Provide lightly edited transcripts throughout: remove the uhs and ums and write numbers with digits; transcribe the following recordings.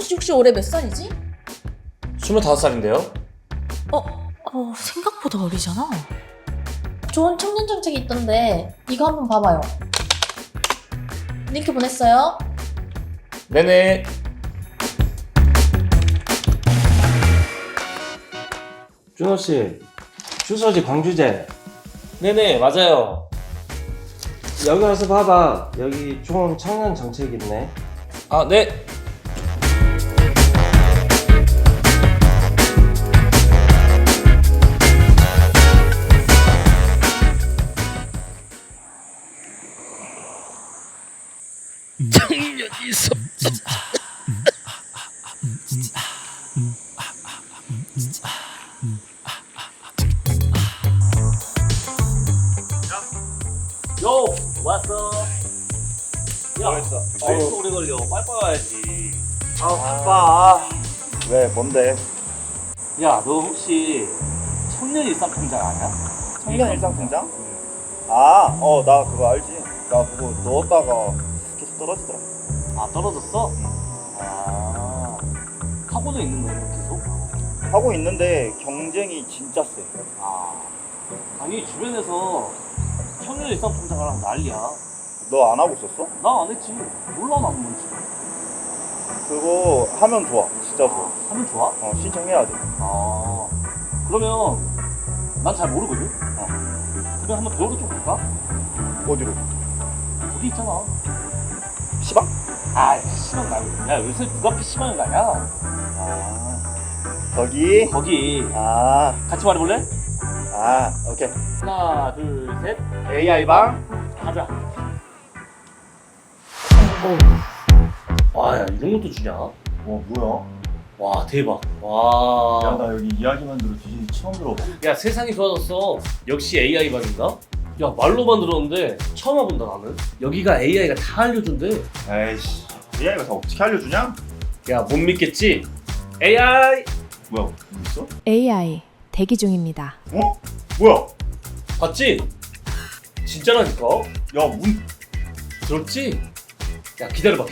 씨 혹시 올해 몇 살이지? 25살인데요? 생각보다 어리잖아. 좋은 청년 정책이 있던데 이거 한번 봐봐요. 링크 보냈어요. 네네. 준호씨, 주소지 광주제. 네네, 맞아요. 여기 와서 봐봐. 여기 좋은 청년 정책 있네. 아, 네. 청년이 요! 왔어. 야, 뭐했어? 왜 이렇게 오래 걸려? 빨빨 와야지. 바빠. 왜? 뭔데? 야, 너 혹시 청년 일상통장 아냐? 청년 일상통장? 아, 나 그거 알지. 나 그거 넣었다가 계속 떨어지더라. 아, 떨어졌어? 아, 하고는 있는 거야, 계속? 하고 있는데 경쟁이 진짜 세. 아, 아니, 주변에서 청년 일상통장 하라고 난리야. 너 안 하고 있었어? 나 안 했지. 몰라, 나는 뭔지. 그거 하면 좋아. 진짜 좋아. 하면 좋아? 신청해야 돼. 아, 그러면 난 잘 모르거든? 그러면 한번 배우러 좀 갈까? 어디로? 거기 있잖아. 시방? 아, PC방 말고. 야, 요새 누가 PC방을 가냐? 거기? 거기. 아, 같이 말해볼래? 오케이. 하나, 둘, 셋. AI방? 가자. 와, 야, 이런 것도 주냐? 뭐야? 와, 대박. 와. 나 여기 이야기만 들어 뒤진지 처음 들어봐. 야, 세상이 좋아졌어. 역시 AI 방인가? 야, 말로만 들었는데 처음 와본다, 나는. 여기가 AI가 다 알려준대. 에이씨, AI가 다 어떻게 알려주냐? 야, 못 믿겠지? AI! 뭐야, 뭐 있어? AI 대기 중입니다. 뭐야? 봤지? 진짜라니까? 야, 들었지? 야, 기다려봐.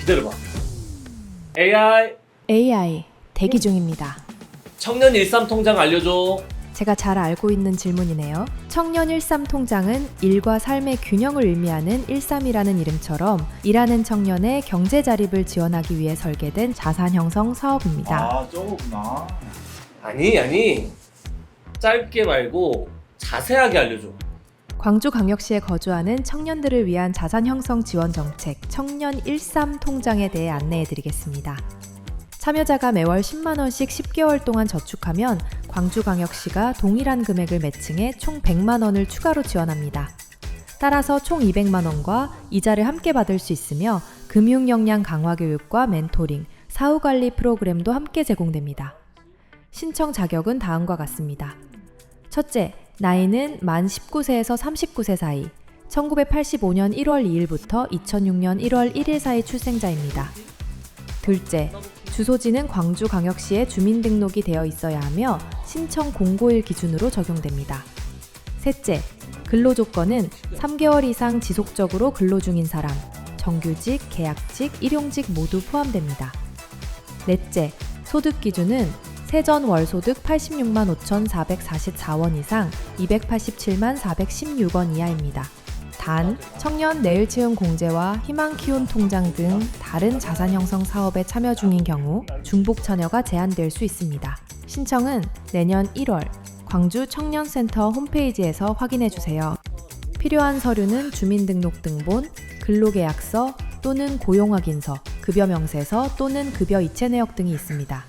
AI! AI 대기 중입니다. 청년 일삼통장 알려줘. 제가 잘 알고 있는 질문이네요. 청년 13 통장은 일과 삶의 균형을 의미하는 13이라는 이름처럼 일하는 청년의 경제 자립을 지원하기 위해 설계된 자산 형성 사업입니다. 저거구나. 아니. 짧게 말고 자세하게 알려줘. 광주광역시에 거주하는 청년들을 위한 자산 형성 지원 정책 청년 13 통장에 대해 안내해 드리겠습니다. 참여자가 매월 10만 원씩 10개월 동안 저축하면 광주광역시가 동일한 금액을 매칭해 총 100만 원을 추가로 지원합니다. 따라서 총 200만 원과 이자를 함께 받을 수 있으며 금융 역량 강화 교육과 멘토링, 사후 관리 프로그램도 함께 제공됩니다. 신청 자격은 다음과 같습니다. 첫째, 나이는 만 19세에서 39세 사이, 1985년 1월 2일부터 2006년 1월 1일 사이 출생자입니다. 둘째, 주소지는 광주광역시에 주민등록이 되어 있어야 하며 신청 공고일 기준으로 적용됩니다. 셋째, 근로조건은 3개월 이상 지속적으로 근로 중인 사람, 정규직, 계약직, 일용직 모두 포함됩니다. 넷째, 소득 기준은 세전 월소득 86만 5,444원 이상 287만 416원 이하입니다. 단, 청년 내일채움 공제와 희망 키운 통장 등 다른 자산 형성 사업에 참여 중인 경우 중복 참여가 제한될 수 있습니다. 신청은 내년 1월 광주 청년센터 홈페이지에서 확인해 주세요. 필요한 서류는 주민등록등본, 근로계약서 또는 고용확인서, 급여명세서 또는 급여 이체 내역 등이 있습니다.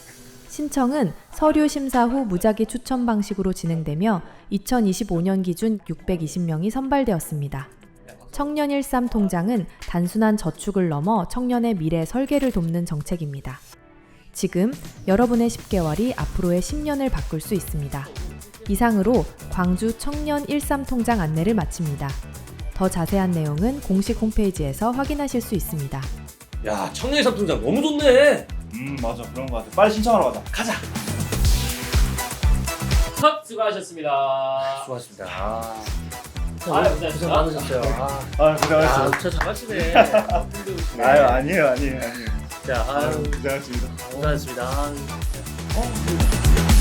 신청은 서류 심사 후 무작위 추첨 방식으로 진행되며 2025년 기준 620명이 선발되었습니다. 청년 13 통장은 단순한 저축을 넘어 청년의 미래 설계를 돕는 정책입니다. 지금 여러분의 10개월이 앞으로의 10년을 바꿀 수 있습니다. 이상으로 광주 청년 13 통장 안내를 마칩니다. 더 자세한 내용은 공식 홈페이지에서 확인하실 수 있습니다. 야, 청년 일삼통장 너무 좋네. 맞아. 그런 거 같아. 빨리 신청하러 가자. 컷! 수고하셨습니다. 수고하셨습니다. 고생 많으셨어요. 고생하셨어. 진짜 잘하시네. 아니에요. 자, 아유, 고생하셨습니다. 고생하셨습니다. 아유.